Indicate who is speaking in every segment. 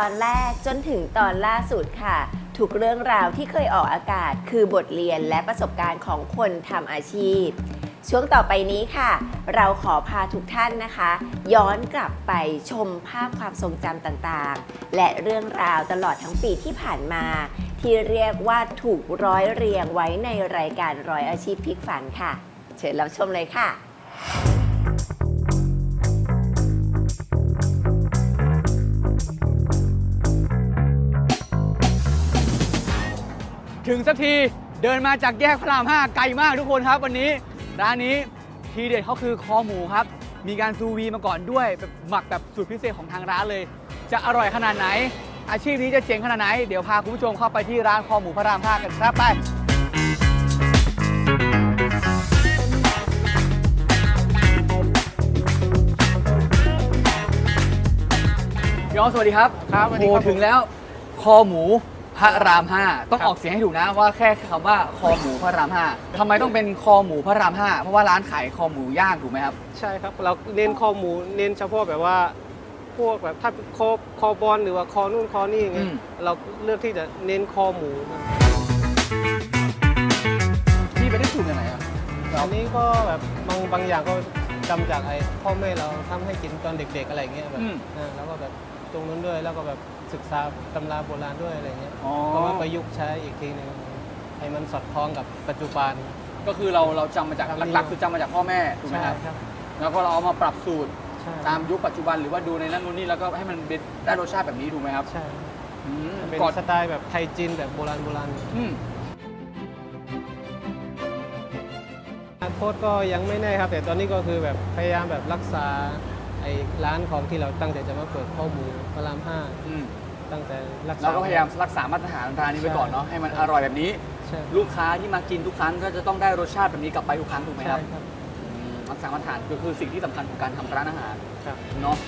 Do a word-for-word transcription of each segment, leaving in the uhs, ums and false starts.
Speaker 1: อนแรกจนถึงตอนล่าสุดค่ะทุกเรื่องราวที่เคยออกอากาศคือบทเรียนและประสบการณ์ของคนทำอาชีพช่วงต่อไปนี้ค่ะ เราขอพาทุกท่านนะคะ ย้อนกลับไปชมภาพความทรงจำต่างๆและเรื่องราวตลอดทั้งปีที่ผ่านมาที่เรียกว่าถูกร้อยเรียงไว้ในรายการร้อยอาชีพพลิกฝันค่ะเชิญรับชมเลยค่ะ
Speaker 2: ถึงสักทีเดินมาจากแยกพระรามห้าไกลมากทุกคนครับวันนี้ร้านนี้ทีเด็ดเขาคือคอหมูครับมีการซูวีมาก่อนด้วยแบบหมักแบบสูตรพิเศษของทางร้านเลยจะอร่อยขนาดไหนอาชีพนี้จะเจ๋งขนาดไหนเดี๋ยวพาคุณผู้ชมเข้าไปที่ร้านคอหมูพระรามห้ากันครับไปพี่อ๋อสวัสดีครับครับโอ้ถึงแล้วคอหมูพระรามห้าต้องออกเสียงให้ถูกนะว่าแค่คำว่าคอหมูพระรามห้าทำไมต้องเป็นคอหมูพระรามห้าเพราะว่าร้านขายคอหมูย่างถูกไหมครับ
Speaker 3: ใช่ครับเราเน้นคอหมูเน้นเฉพาะแบบว่าพวกแบบถ้าคอคอบอลหรือว่าคอนู่นคอนี่อย่างเงี้ยเราเลือกที่จะเน้นคอหมู
Speaker 2: พี่ไปได้สูตรยังไงครับ
Speaker 3: อันนี้ก็แบบบางบางอย่างก็จำจากไอ้พ่อแม่เราทำให้กินตอนเด็กๆอะไรเงี้ยแบบแล้วก็แบบตรงนั้นด้วยแล้วก็แบบศึกษาตำราโบราณด้วยอะไรเงี้ยก็มาประยุกต์ใช้อีกทีนึงให้มันสอดคล้องกับปัจจุบัน
Speaker 2: ก็คือเราเราจำมาจากหลักๆคือจำมาจากพ่อแม่ถูกไหมครับแล้วก็เราเอามาปรับสูตรตามยุคปัจจุบันหรือว่าดูในนั้นนู่นนี่แล้วก็ให้มันได้รสชาติแบบนี้ถูกไหมครับ
Speaker 3: ใช่เป็นสไตล์แบบไทยจีนแบบโบราณโบราณอนาคตก็ยังไม่แน่ครับแต่ตอนนี้ก็คือแบบพยายามแบบรักษาไอ้ร้านของที่เราตั้งใจจะมาเปิดข้อมูลพระรามห้าตั้งแต่รักษา
Speaker 2: เราก็พยายามรักษามาตรฐานร้านนี้ไว้ก่อนเนาะให้มันอร่อยแบบนี้ลูกค้าที่มากินทุกครั้งก็จะต้องได้รสชาติแบบนี้กลับไปทุกครั้งถูกไหมครับรักษามาตรฐานก็คือสิ่งที่สำคัญของการทำร้านอาหารเนาะ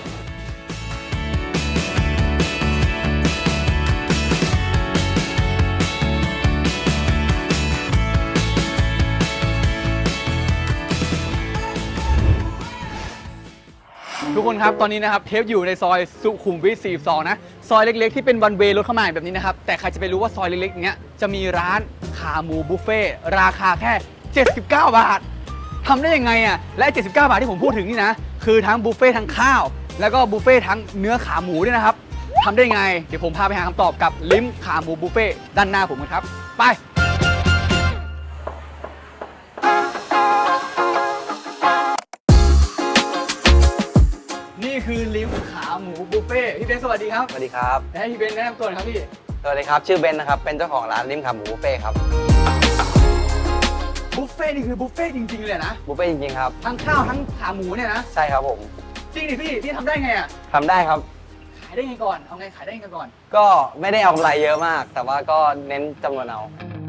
Speaker 2: ทุกคนครับตอนนี้นะครับเทปอยู่ในซอยสุขุมวิทสี่สิบสองนะซอยเล็กๆที่เป็นวันเวย์รถเข้ามาแบบนี้นะครับแต่ใครจะไปรู้ว่าซอยเล็กๆเนี้ยจะมีร้านขาหมูบุฟเฟ่ราคาแค่เจ็ดสิบเก้าบาททำได้ยังไงอ่ะและเจ็ดสิบเก้าบาทที่ผมพูดถึงนี่นะคือทั้งบุฟเฟ่ทั้งข้าวแล้วก็บุฟเฟ่ทั้งเนื้อขาหมูด้วยนะครับทำได้ยังไงเดี๋ยวผมพาไปหาคำตอบกับลิ้มขาหมูบุฟเฟ่ด้านหน้าผมกันครับไปนี่คือลิ้มขาหมูบุฟเฟ่พี่เบนสวัสดีครับ
Speaker 4: สวัสดีครับ
Speaker 2: ให้พี่เบนแนะนำตัวหน่อยครับพี่
Speaker 4: สวัสดีครับชื่อเบนนะครับเป็นเจ้าของร้านลิ้มขาหมูบุฟเฟ่ครับ
Speaker 2: บุฟเฟ่นี่คือบุฟเฟ่จริงๆเลยนะ
Speaker 4: บุฟเฟ่จริงๆครับ
Speaker 2: ทั้งข้าวทั้งขาหมูเนี่ยนะ
Speaker 4: ใช่ครับผม
Speaker 2: จริงดิพี่พี่ทำได้ไงอ่ะ
Speaker 4: ทำได้ครับ
Speaker 2: ขายได้ไงก่อนเอาไงขายได้ไงก่อน
Speaker 4: ก็ไม่ได้เอากำไรเยอะมากแต่ว่าก็เน้นจำนวนเอา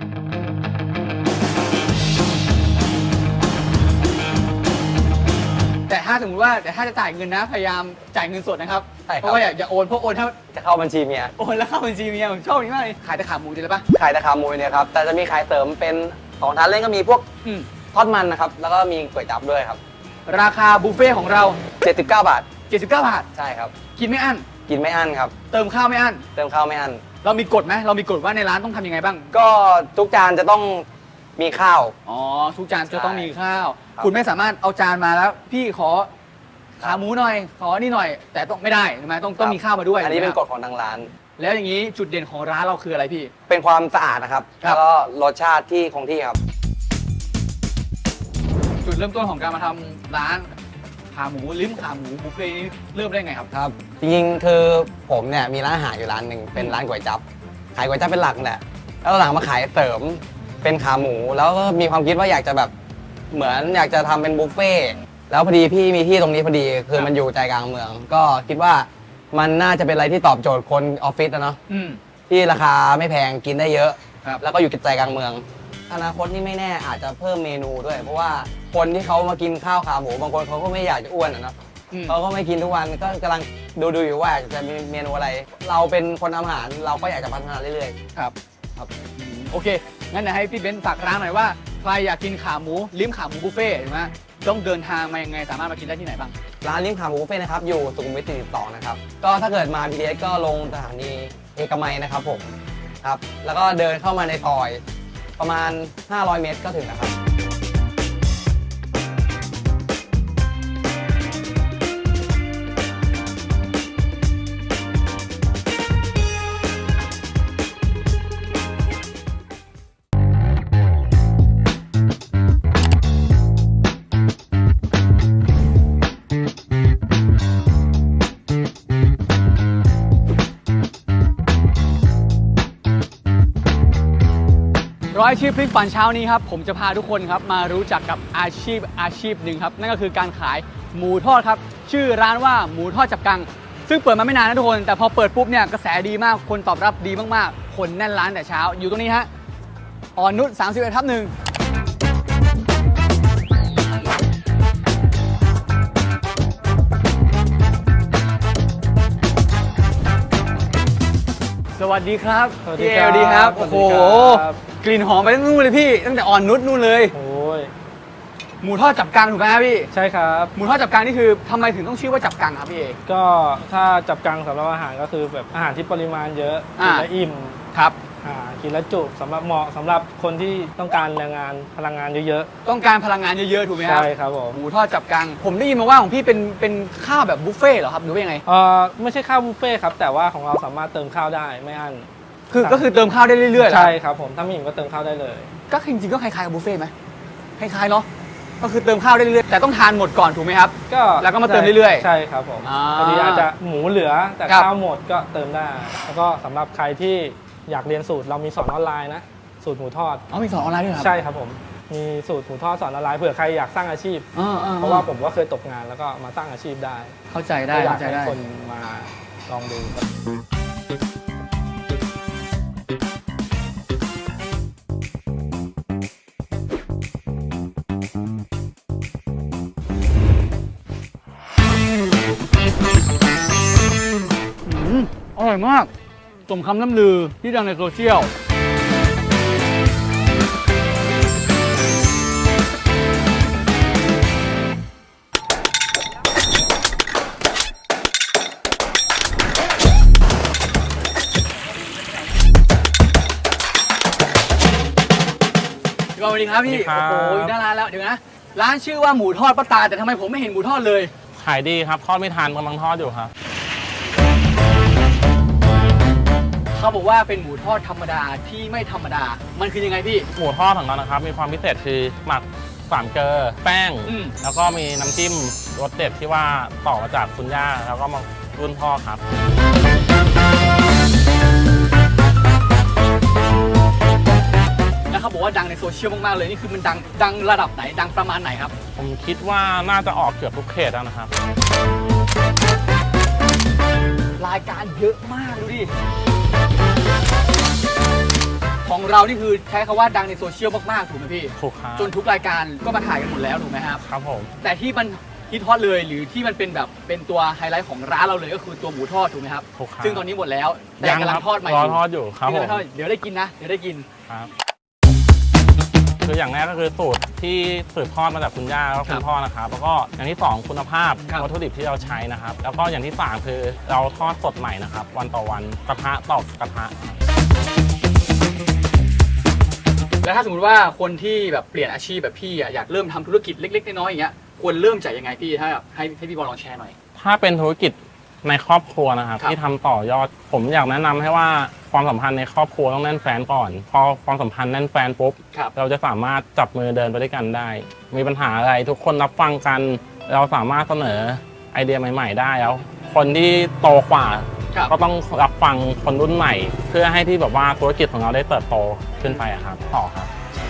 Speaker 2: แต่ถ้าสมมติว่าแต่ถ้าจะจ่ายเงินนะพยายามจ่ายเงินสดนะครับเพราะว่าอย่าโอนเพราะโอนถ้า
Speaker 4: จะเข้าบัญชีเมีย
Speaker 2: โอนแล้วเข้าบัญชีเมียผมชอบนี้มากเลยขายแต่ขาหมูเลยปะ
Speaker 4: ขายแต่ขาหมูเนี่ยครับแต่จะมีขายเสริมเป็นของทานเล่นก็มีพวกทอดมันนะครับแล้วก็มีก๋วยจั๊บด้วยครับ
Speaker 2: ราคาบุฟเฟ่ของเรา
Speaker 4: เจ็ดสิบเก้าบาท
Speaker 2: เจ็ดสิบเก้าบาท
Speaker 4: ใช่ครับ
Speaker 2: กินไม่อั้น
Speaker 4: กินไม่อั้นครับ
Speaker 2: เติมข้าวไม่อั้น
Speaker 4: เติมข้าวไม่อั้น
Speaker 2: เรามีกฎไหมเรามีกฎว่าในร้านต้องทำยังไงบ้าง
Speaker 4: ก็ทุกจานจะต้องมีข้าว
Speaker 2: อ๋อทุกจานจะต้องมีข้าวคุณไม่สามารถเอาจานมาแล้วพี่ขอขาหมูหน่อยขอนี่หน่อยแต่ต้องไม่ได้ใช่ไหมต้องต้องมีข้าวมาด้วย
Speaker 4: อันนี้เป็นกฎของทางร้าน
Speaker 2: แล้วอย่างนี้จุดเด่นของร้านเราคืออะไรพี่
Speaker 4: เป็นความสะอาดนะครับแล้วก็รสชาติที่คงที่ครับ
Speaker 2: จุดเริ่มต้นของการมาทำร้านขาหมูลิ้มขาหมูบุฟเฟ่นี้เริ่มได้ไงครับ
Speaker 4: ครับจริงๆคือผมเนี่ยมีร้านอาหารอยู่ร้านหนึ่งเป็นร้านก๋วยจั๊บขายก๋วยจั๊บเป็นหลักแหละแล้วหลังมาขายเสริมเป็นขาหมูแล้วก็มีความคิดว่าอยากจะแบบเหมือนอยากจะทำเป็นบุฟเฟ่แล้วพอดีพี่มีที่ตรงนี้พอดีคือมันอยู่ใจกลางเมืองก็คิดว่ามันน่าจะเป็นอะไรที่ตอบโจทย์คนออฟฟิศนะเนาะที่ราคาไม่แพงกินได้เยอะแล้วก็อยู่ใจกลางเมืองอนาคตนี่ไม่แน่อาจจะเพิ่มเมนูด้วยเพราะว่าคนที่เขามากินข้าวขาหมูบางคนเขาก็ไม่อยากจะอ้วนนะเนาะเขาก็ไม่กินทุกวันก็กำลังดูดูอยู่ว่าจะมีเมนูอะไรเราเป็นคนทำอาหารเราก็อยากจะพัฒนาเรื่อยๆ
Speaker 2: ครับครับโอเคงั้นเดี๋ยวให้พี่เบนซ์ฝากร้านหน่อยว่าใครอยากกินขาหมูลิ้มขาหมูบุฟเฟ่ต์ถูกไหมต้องเดินทางมายังไงสามารถมากินได้ที่ไหนบ้าง
Speaker 4: ร้านลิ้มขาหมูบุฟเฟ่ต์นะครับอยู่สุขุมวิทสี่สิบสองนะครับก็ถ้าเกิดมา บี ที เอส ก็ลงสถานีเอกมัยนะครับผมครับแล้วก็เดินเข้ามาในซอยประมาณห้าร้อยเมตรก็ถึงนะครับ
Speaker 2: ร้อยอาชีพพลิกฝันเช้านี้ครับผมจะพาทุกคนครับมารู้จักกับอาชีพอาชีพหนึ่งครับนั่นก็คือการขายหมูทอดครับชื่อร้านว่าหมูทอดจับกังซึ่งเปิดมาไม่นานนะทุกคนแต่พอเปิดปุ๊บเนี่ยกระแสดีมากคนตอบรับดีมากๆคนแน่นร้านแต่เช้าอยู่ตรงนี้ฮะอ่อนนุชสามสิบเอ็ดทับหนึ่งสวัสดีครับ
Speaker 3: สวัสดี
Speaker 2: พี่เอ
Speaker 3: ครับ
Speaker 2: ลดีครับ
Speaker 3: สวั
Speaker 2: โอ้
Speaker 3: สดี
Speaker 2: โห
Speaker 3: ครับ
Speaker 2: กลิ่นหอมไปตั้งนู่นเลยพี่ตั้งแต่อ่อนนุชนู่นเลย
Speaker 3: โอ้ย
Speaker 2: หมูทอดจับกังถูกไหมครับพี่
Speaker 3: ใช่ครับ
Speaker 2: หมูทอดจับกังนี่คือทำไมถึงต้องชื่อว่าจับกังครับพี่เอ
Speaker 3: ก็ถ้าจับกังสำหรับอาหารก็คือแบบอาหารที่ปริมาณเยอะ
Speaker 2: อ่า
Speaker 3: กินแล้วอิ่ม
Speaker 2: ครับ
Speaker 3: อ่ากินแล้วจุสำหรับเหมาะสำหรับคนที่ต้องการแรงงานพลังงานเยอะ
Speaker 2: ต้องการพลังงานเยอะๆถูกไหม
Speaker 3: ๆ
Speaker 2: ครับ
Speaker 3: ใช่ครับผม
Speaker 2: หมูทอดจับกังผมได้ยินมาว่าของพี่เป็นเป็นข้าวแบบบุฟเฟ่ต์เหรอครับหรือว่ายังไง
Speaker 3: เอ่อไม่ใช่ข้าวบุฟเฟ่ต์ครับแต่ว่าของเราสามารถเติมข้าวได้ไม่อั้น
Speaker 2: คือ
Speaker 3: ครับ
Speaker 2: ก็คือเติมข้าวได้เรื่อยๆเหรอ
Speaker 3: ใช่ครับผมถ้าไม่อิ่มก็เติมข้าวได้เลย
Speaker 2: ก็จริงๆก็คล้ายๆกับบุฟเฟ่ต์ไหมคล้ายๆเนาะก็คือเติมข้าวได้เรื่อยๆแต่ต้องทานหมดก่อนถูกไหมครับ
Speaker 3: ก็
Speaker 2: แล้วก็มาเติมเรื่อยๆ
Speaker 3: ใช่ครับผม
Speaker 2: อ่า
Speaker 3: พอดีอาจจะหมูเหลือแต่
Speaker 2: ครับ
Speaker 3: ข้าวหมดก็เติมได้ แล้วก็สำหรับใครที่อยากเรียนสูตรเรามีสอนออนไลน์นะสูตรหมูทอด
Speaker 2: อ๋อมีสอนออนไลน์ด้วยเหรอครับ
Speaker 3: ใช่ครับผมมีสูตรหมูทอดสอนออนไลน์เผื่อใครอยากสร้างอาชีพ
Speaker 2: อ่าๆๆ
Speaker 3: เพราะว่าผมก็เคยตกงานแล้วก็มาสร้างอาชีพได้
Speaker 2: เข้าใจได้
Speaker 3: ก็อยาก
Speaker 2: เข้าใจ
Speaker 3: ให้
Speaker 2: ได้
Speaker 3: คนมาลองดูครับ
Speaker 2: อืมอร่อยมากสมคำล่ำลือที่ดังในโซเชียลสวัสดีครับพี่
Speaker 5: สวัสดีครับ
Speaker 2: โอ้โหอยู่หน้าร้านแล้วเดี๋ยวนะร้านชื่อว่าหมูทอดป้าตาแต่ทำไมผมไม่เห็นหมูทอดเลย
Speaker 5: ขายดีครับ ทอดไม่ทันกำลังทอดอยู่ครับ
Speaker 2: เขาบอกว่าเป็นหมูทอดธรรมดาที่ไม่ธรรมดา มันคือยังไงพี่
Speaker 5: หมูทอดของเรานะครับ มีความพิเศษคือหมักสามเกลอแป้ง
Speaker 2: อืม
Speaker 5: แล้วก็มีน้ำจิ้มรสเด็ดที่ว่าต่อมาจากคุณย่า แล้วก็มารุ่นพ่อครับ
Speaker 2: แล้วเขาบอกว่าดังในโซเชียลมากๆเลยนี่คือมันดังดังระดับไหนดังประมาณไหนครับ
Speaker 5: ผมคิดว่าน่าจะออกเกือบทุกเขตแล้วนะครับ
Speaker 2: รายการเยอะมากดูดิของเรานี่คือใช้คำว่าดังในโซเชียลมากๆถูกไหมพี่
Speaker 5: ถูกครับ
Speaker 2: จนทุกรายการก็มาถ่ายกันหมดแล้วถูกไหมครับ
Speaker 5: ครับผม
Speaker 2: แต่ที่มันฮิตฮอตเลยหรือที่มันเป็นแบบเป็นตัวไฮไลท์ของร้านเราเลยก็คือตัวหมูทอดถูกไหมครับ
Speaker 5: ถูกครับ
Speaker 2: ซึ่งตอนนี้หมดแล้วแต่กำลังทอดใหม่
Speaker 5: รอทอดอยู่ครับผม
Speaker 2: กำลังทอดเดี๋ยวได้กินนะเดี๋ยวได้กิน
Speaker 5: ครับคืออย่างแรกก็คือสูตรที่สืบทอดมาจากคุณย่าแล้วก็คุณพ่อนะครับ แล้วก็อย่างที่สองคุณภาพ
Speaker 2: ครับ
Speaker 5: วัตถุดิบที่เราใช้นะครับ แล้วก็อย่างที่สามคือเราทอดสดใหม่นะครับ วันต่อวันกระทะต่อกระทะ
Speaker 2: แล้วถ้าสมมติว่าคนที่แบบเปลี่ยนอาชีพแบบพี่อะอยากเริ่มทำธุรกิจเล็กๆน้อยๆอย่างเงี้ยควรเริ่มจากยังไงพี่ถ้าแบบให้ให้พี่บอลลองแชร์หน่อย
Speaker 5: ถ้าเป็นธุรกิจในครอบครัวนะครับ
Speaker 2: ครับ
Speaker 5: ที่ทำต่อยอด ผมอยากแนะนำให้ว่าความสัมพันธ์ในครอบครัวต้องแน่นแฟนก่อน พอความสัมพันธ์แน่นแฟนปุ๊บ
Speaker 2: ครับ
Speaker 5: เราจะสามารถจับมือเดินไปด้วยกันได้ มีปัญหาอะไรทุกคนรับฟังกัน เราสามารถเสนอไอเดียใหม่ๆได้แล้ว คนที่โตกว่า
Speaker 2: ครับ
Speaker 5: ก็ต้องรับฟังคนรุ่นใหม่ เพื่อให้ที่แบบว่าธุรกิจของเราได้เติบโตขึ้นไปอะครับต่อครับ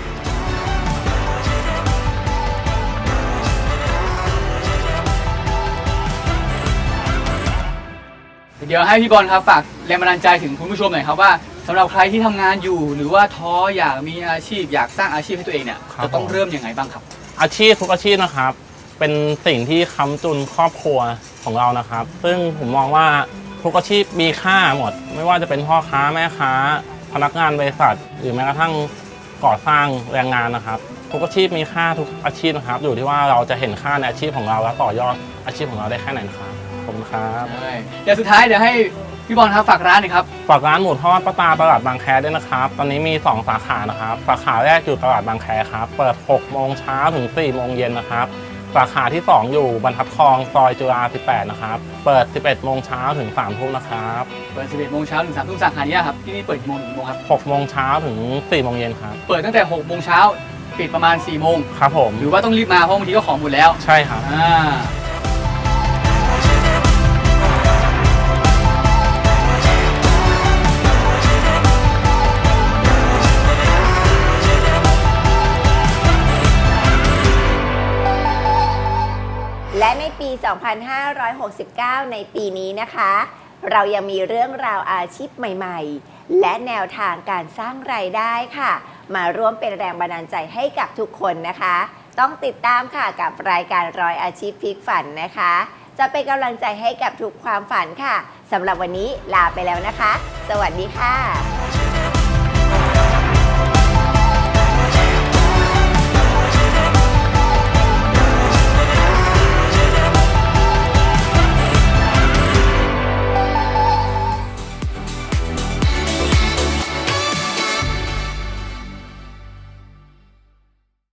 Speaker 2: เดี๋ยวให้พี่บอลครับฝากแรงบันดาลใจถึงคุณผู้ชมหน่อยครับว่าสำหรับใครที่ทำงานอยู่ หรือว่าท้ออยากมีอาชีพอยากสร้างอาชีพให้ตัวเองเนี่ย
Speaker 5: ครับ
Speaker 2: จะต้อง
Speaker 5: ผม
Speaker 2: เริ่มยังไงบ้างครับ
Speaker 5: อาชีพทุกอาชีพนะครับ เป็นสิ่งที่ค้ำจุนครอบครัวของเรานะครับ ซึ่งผมมองว่าทุกอาชีพมีค่าหมด ไม่ว่าจะเป็นพ่อค้าแม่ค้า พนักงานบริษัท หรือแม้กระทั่งก่อสร้างแรงงานนะครับทุกอาชีพมีค่าทุกอาชีพนะครับ อยู่ที่ว่าเราจะเห็นค่าในอาชีพของเราและต่อยอดอาชีพของเราได้แค่ไหนนะครับขอบคุณครับ
Speaker 2: ใช่เดี๋ยวสุดท้ายเดี๋ยวให้พี่บอลครับฝากร้านหน่อยครับ
Speaker 5: ฝากร้านหมูทอดป้าตาตลาดบางแคด้วยนะครับ ตอนนี้มีสองสาขานะครับสาขาแรกอยู่ตลาดบางแคครับเปิดหกโมงเช้าถึงสี่โมงเย็นนะครับสาขาที่สองอยู่บรรทัดทองซอยจุฬาสิบแปดนะครับเปิดสิบเอ็ดโมงเช้าถึงสามทุ่มนะครับ
Speaker 2: เปิดสิบเอ็ดโมงเช้าถึงสามทุ่มสาขานี้ครับที่นี่เปิดกี่โมงถึงกี่โมงครับ
Speaker 5: หกโมงเช้าถึงสี่โมงเย็นครับ
Speaker 2: เปิดตั้งแต่หกโมงเช้าปิดประมาณสี่โมง
Speaker 5: ครับผม
Speaker 2: หรือว่าต้องรีบมาเพราะบางทีก็ของหมดแล้ว
Speaker 5: ใช่ครับ
Speaker 2: อ่า
Speaker 1: และในปี สองพันห้าร้อยหกสิบเก้า ในปีนี้นะคะ เรายังมีเรื่องราวอาชีพใหม่ๆ และแนวทางการสร้างรายได้ค่ะ มาร่วมเป็นแรงบันดาลใจให้กับทุกคนนะคะ ต้องติดตามค่ะกับรายการร้อยอาชีพพลิกฝันนะคะ จะเป็นกำลังใจให้กับทุกความฝันค่ะสำหรับวันนี้ลาไปแล้วนะคะ สวัสดีค่ะ